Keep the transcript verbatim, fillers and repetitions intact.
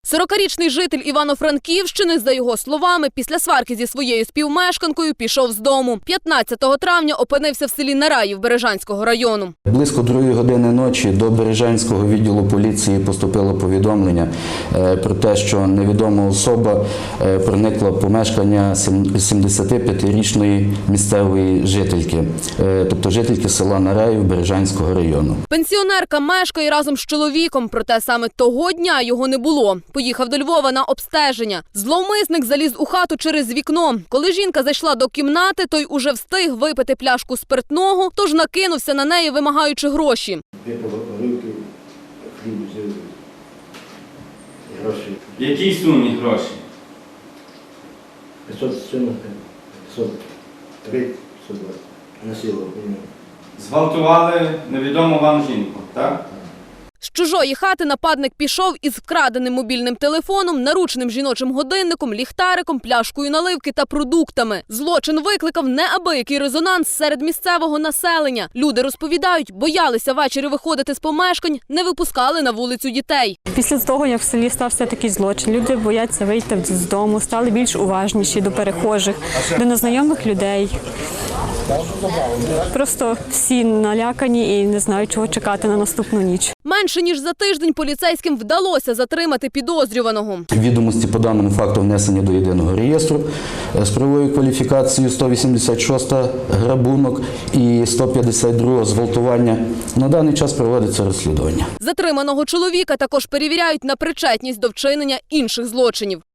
сорокарічний житель Івано-Франківщини, за його словами, після сварки зі своєю співмешканкою пішов з дому. п'ятнадцятого травня опинився в селі Нараїв Бережанського району. Близько другої години ночі до Бережанського відділу поліції поступило повідомлення про те, що невідома особа проникла в помешкання сімдесятип'ятирічної місцевої жительки, тобто жительки села Нараїв Бережанського району. Пенсіонерка мешкає разом з чоловіком, проте саме того дня його не було. Поїхав до Львова на обстеження. Зловмисник заліз у хату через вікно. Коли жінка зайшла до кімнати, той уже встиг випити пляшку спиртного, тож накинувся на неї, вимагаючи гроші. Випила горілки, хліб взяв, гроші. В якій сумі гроші? п'ятсот сімдесят, п'ятсот три, п'ятсот двадцять. Насилував мене. Зґвалтували невідому вам жінку, так? З чужої хати нападник пішов із вкраденим мобільним телефоном, наручним жіночим годинником, ліхтариком, пляшкою наливки та продуктами. Злочин викликав неабиякий резонанс серед місцевого населення. Люди розповідають, боялися ввечері виходити з помешкань, не випускали на вулицю дітей. Після того, як в селі стався такий злочин, люди бояться вийти з дому, стали більш уважніші до перехожих, до незнайомих людей. Просто всі налякані і не знають, чого чекати на наступну ніч. Менше ніж за тиждень поліцейським вдалося затримати підозрюваного. Відомості по даному факту внесені до єдиного реєстру з правовою кваліфікацією сто вісімдесят шість грабунок і сто п'ятдесят два зґвалтування. На даний час проводиться розслідування. Затриманого чоловіка також перевіряють на причетність до вчинення інших злочинів.